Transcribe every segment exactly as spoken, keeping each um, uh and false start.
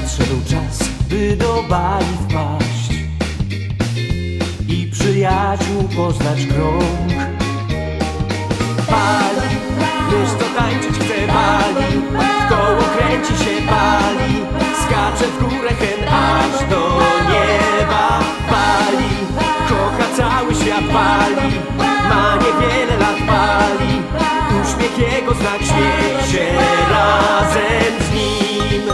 nadszedł czas, by do Bali wpaść i przyjaciół poznać krąg. Bali, wiesz co tańczyć chce Bali, w koło kręci się Bali, skacze w górę hen aż do nieba. Bali, kocha cały świat Bali, ma niewiele lat Bali, uśmiech jego znak, śmiej się razem z nim.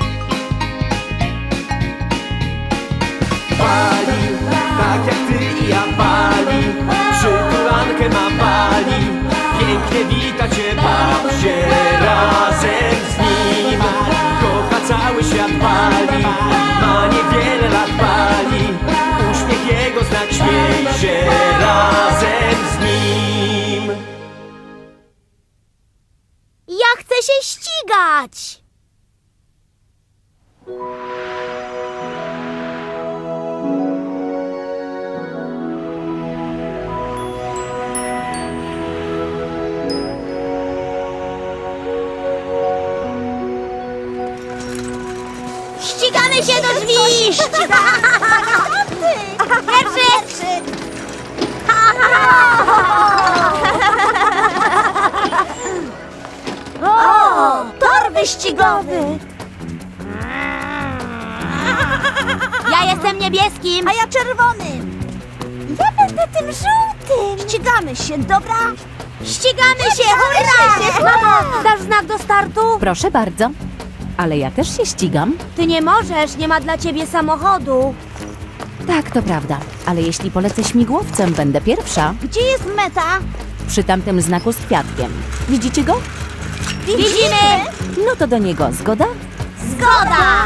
Bali, tak jak ty i ja Bali, przytulankę ma Bali, pięknie wita cię, baw się razem z nim. Kocha cały świat Bali, ma niewiele lat Bali, uśmiech jego znak, śmiej się razem z nim. Ja chcę się ścigać! Ścigamy się do drzwi! Pierwszy! O, tor wyścigowy! Ja jestem niebieskim! A ja czerwonym! Ja będę tym żółtym! Ścigamy się, dobra? Ścigamy się, hurra! Mamo, dasz znak do startu? Proszę bardzo. Ale ja też się ścigam. Ty nie możesz, nie ma dla ciebie samochodu. Tak, to prawda. Ale jeśli polecę śmigłowcem, będę pierwsza. Gdzie jest meta? Przy tamtym znaku z kwiatkiem. Widzicie go? Widzimy! No to do niego. Zgoda? Zgoda!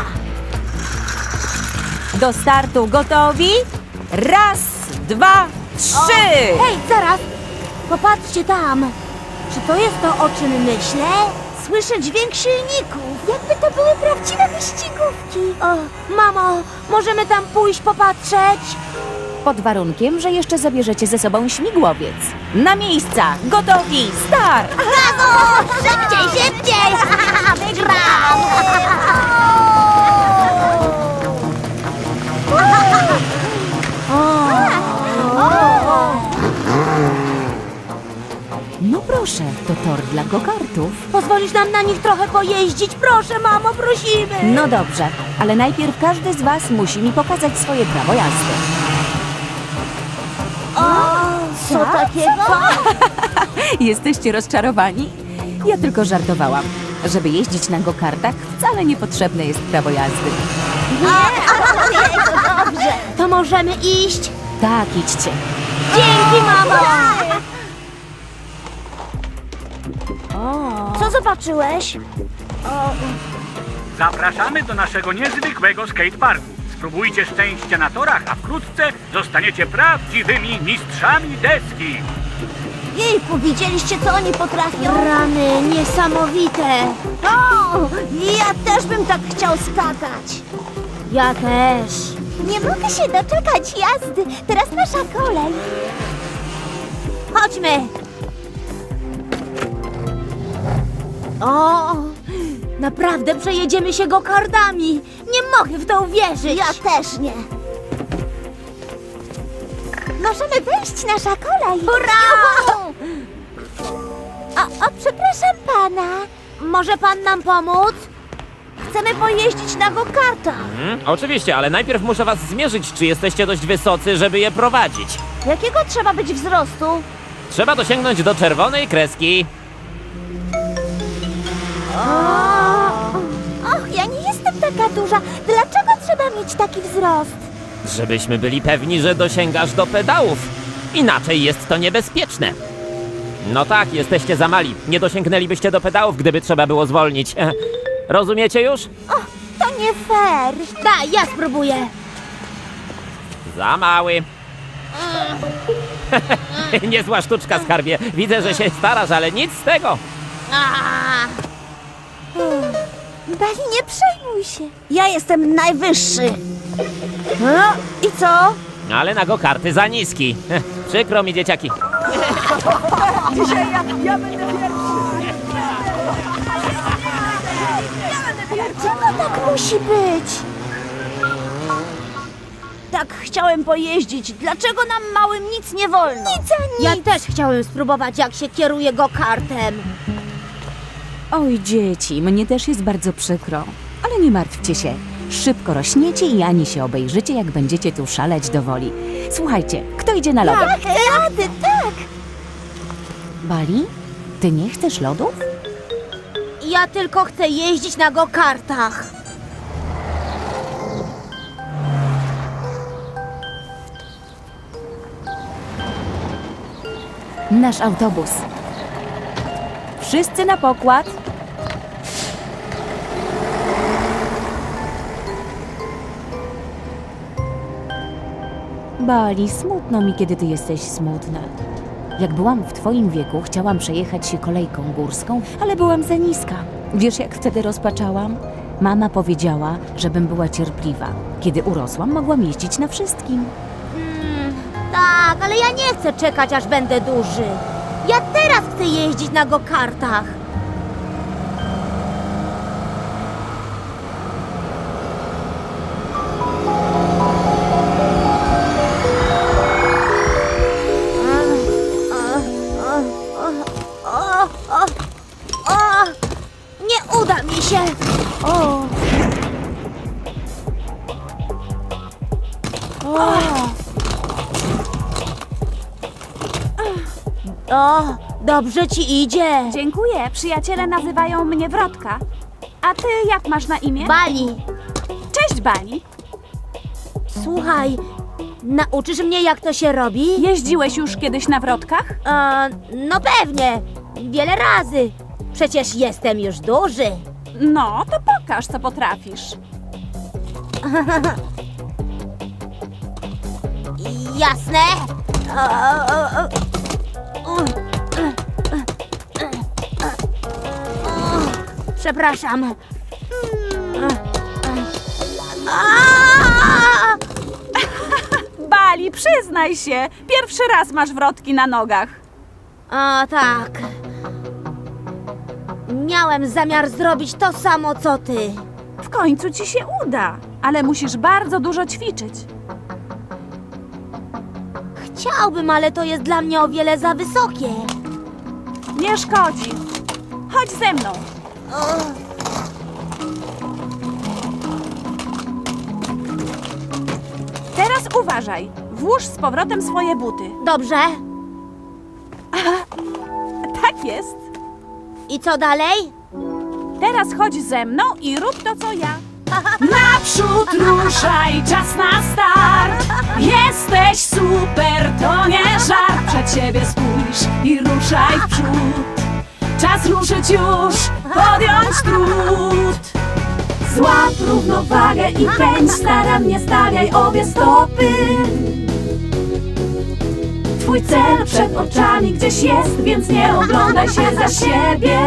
Do startu gotowi? Raz, dwa, trzy! Hej, zaraz! Popatrzcie tam! Czy to jest to, o czym myślę? Słyszę dźwięk silników! Jakby to były prawdziwe wyścigówki! O, mamo, możemy tam pójść popatrzeć? Pod warunkiem, że jeszcze zabierzecie ze sobą śmigłowiec. Na miejsca! Gotowi! Start! Brawo! Szybciej, szybciej! Wygram! No proszę, to tor dla go-kartów. Pozwolisz nam na nich trochę pojeździć? Proszę, mamo, prosimy! No dobrze, ale najpierw każdy z was musi mi pokazać swoje prawo jazdy. O, co takiego? Jesteście rozczarowani? Ja tylko żartowałam. Żeby jeździć na go-kartach, wcale niepotrzebne jest prawo jazdy. Dobrze. To możemy iść? Tak, idźcie. Dzięki, mamo! Co zobaczyłeś? Zapraszamy do naszego niezwykłego skateparku. Spróbujcie szczęścia na torach, a wkrótce zostaniecie prawdziwymi mistrzami deski. Jejku, widzieliście, co oni potrafią? Rany, niesamowite! O, ja też bym tak chciał skakać. Ja też. Nie mogę się doczekać jazdy. Teraz nasza kolej. Chodźmy. O, naprawdę przejedziemy się go-kardami. Nie mogę w to uwierzyć. Ja też nie. Możemy wejść, nasza kolej. Hurra! O, o, przepraszam pana. Może pan nam pomóc? Chcemy pojeździć na go-kartach. Hmm, oczywiście, ale najpierw muszę was zmierzyć, czy jesteście dość wysocy, żeby je prowadzić. Jakiego trzeba być wzrostu? Trzeba dosięgnąć do czerwonej kreski. Och, ja nie jestem taka duża. Dlaczego trzeba mieć taki wzrost? Żebyśmy byli pewni, że dosięgasz do pedałów. Inaczej jest to niebezpieczne. No tak, jesteście za mali. Nie dosięgnęlibyście do pedałów, gdyby trzeba było zwolnić. E, rozumiecie już? O, to nie fair. Daj, ja spróbuję. Za mały. Niezła sztuczka, skarbie. Widzę, że się starasz, ale nic z tego. Bali, nie przejmuj się. Ja jestem najwyższy. No, i co? Ale na go-karty za niski. Przykro mi, dzieciaki. Dzisiaj ja, ja będę pierwszy. Ja będę Dlaczego tak musi być? Tak chciałem pojeździć. Dlaczego nam małym nic nie wolno? Nic a nic. Ja też chciałem spróbować, jak się kieruje go-kartem. Oj, dzieci, mnie też jest bardzo przykro. Ale nie martwcie się. Szybko rośniecie i ani się obejrzycie, jak będziecie tu szaleć do woli. Słuchajcie, kto idzie na lody? Tak, tak, ty, tak. Bali? Ty nie chcesz lodów? Ja tylko chcę jeździć na go-kartach. Nasz autobus. Wszyscy na pokład. Bali, smutno mi, kiedy ty jesteś smutna. Jak byłam w twoim wieku, chciałam przejechać się kolejką górską, ale byłam za niska. Wiesz, jak wtedy rozpaczałam? Mama powiedziała, żebym była cierpliwa. Kiedy urosłam, mogłam jeździć na wszystkim. Tak, ale ja nie chcę czekać, aż będę duży. Ja teraz chcę jeździć na go-kartach. O, o, o, nie uda mi się. O. O. O, dobrze ci idzie. Dziękuję. Przyjaciele nazywają mnie Wrotka. A ty jak masz na imię? Bali, Cześć, Bali. słuchaj, nauczysz mnie, jak to się robi? Jeździłeś już kiedyś na wrotkach? E, no pewnie, wiele razy. Przecież jestem już duży. No, to pokaż, co potrafisz. Jasne? O, o, o, o. Przepraszam. A! Bali, przyznaj się. Pierwszy raz masz wrotki na nogach. A tak. Miałem zamiar zrobić to samo, co ty. W końcu ci się uda, ale musisz bardzo dużo ćwiczyć. Chciałbym, ale to jest dla mnie o wiele za wysokie. Nie szkodzi. Chodź ze mną. Teraz uważaj. Włóż z powrotem swoje buty. Dobrze. Tak jest. I co dalej? Teraz chodź ze mną i rób to, co ja. Naprzód ruszaj, czas na start. Jesteś super, to nie żart. Przed siebie spójrz i ruszaj w przód. Czas ruszyć już, podjąć trud. Złap równowagę i pędź, starannie stawiaj obie stopy. Twój cel przed oczami gdzieś jest, więc nie oglądaj się za siebie.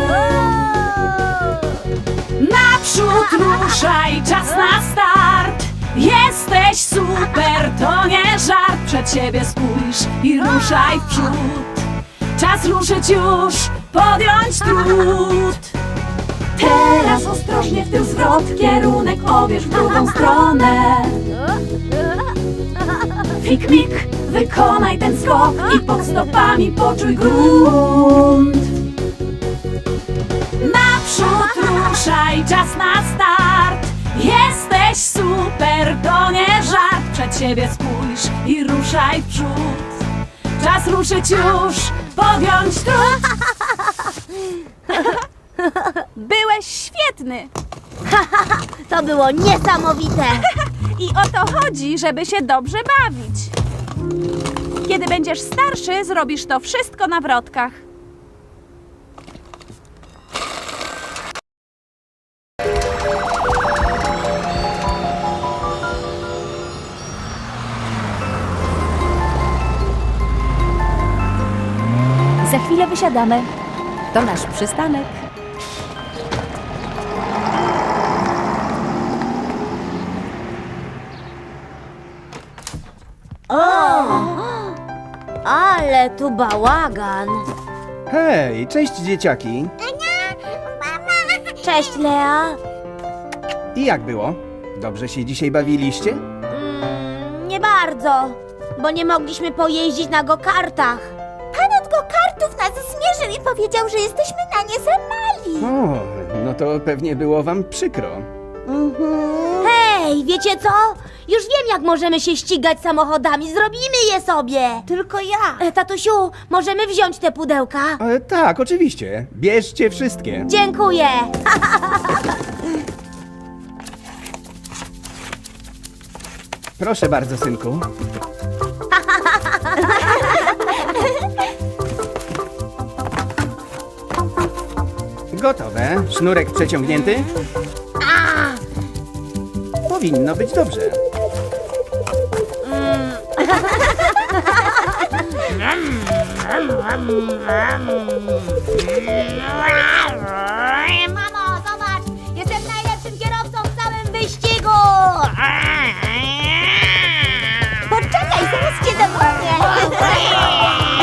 Naprzód ruszaj, czas na start. Jesteś super, to nie żart. Przed siebie spójrz i ruszaj w przód. Czas ruszyć już, podjąć trud. Teraz ostrożnie w tył zwrot, kierunek obierz w drugą stronę. Fik-mik, wykonaj ten skok i pod stopami poczuj grunt. Naprzód ruszaj, czas na start. Jesteś super, to nie żart. Przed siebie spójrz i ruszaj w przód. Czas ruszyć już, podjąć trud. Byłeś świetny. To było niesamowite. I o to chodzi, żeby się dobrze bawić. Kiedy będziesz starszy, zrobisz to wszystko na wrotkach. Za chwilę wysiadamy. To nasz przystanek. Ale tu bałagan. Hej, cześć dzieciaki. Cześć, Lea. I jak było? Dobrze się dzisiaj bawiliście? Mm, nie bardzo, bo nie mogliśmy pojeździć na go-kartach. Pan od go-kartów nas zmierzył i powiedział, że jesteśmy na nie za mali. O, no to pewnie było wam przykro. Hej, wiecie co? Już wiem, jak możemy się ścigać samochodami. Zrobimy je sobie. Tylko ja. E, tatusiu, możemy wziąć te pudełka? E, tak, oczywiście. Bierzcie wszystkie. Dziękuję. Proszę bardzo, synku. Gotowe. Sznurek przeciągnięty? Powinno być dobrze. Mamo, zobacz! Jestem najlepszym kierowcą w całym wyścigu! Poczekaj, zaraz cię dogonię!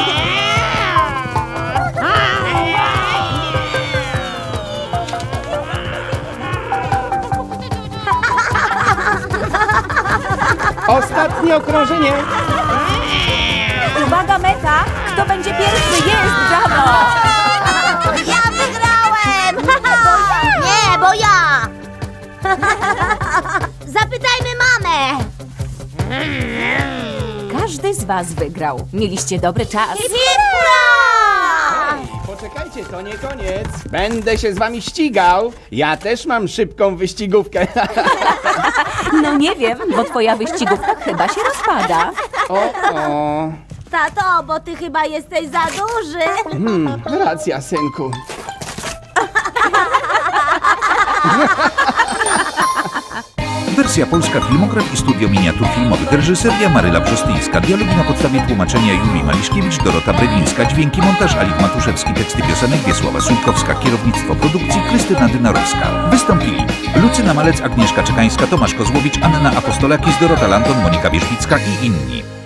Ostatnie okrążenie. Uwaga, meta! Kto będzie pierwszy? Jest, brawo! Ja wygrałem! Nie, bo ja! Zapytajmy mamę! Każdy z was wygrał. Mieliście dobry czas. Hurra! Poczekajcie, to nie koniec. Będę się z wami ścigał. Ja też mam szybką wyścigówkę. No nie wiem, bo twoja wyścigówka chyba się rozpada. O, o. Tato, bo ty chyba jesteś za duży. Hmm, racja, synku. Wersja polska, filmograf i studio miniatur filmowych. Reżyseria Maryla Brzostyńska. Dialogi na podstawie tłumaczenia Julii Maliszkiewicz, Dorota Brewińska. Dźwięki, montaż Alik Matuszewski. Teksty piosenek Wiesława Sujkowska. Kierownictwo produkcji Krystyna Dynarowska. Wystąpili Lucyna Malec, Agnieszka Czekańska, Tomasz Kozłowicz, Anna Apostolakis, Dorota Lanton, Monika Wierzbicka i inni.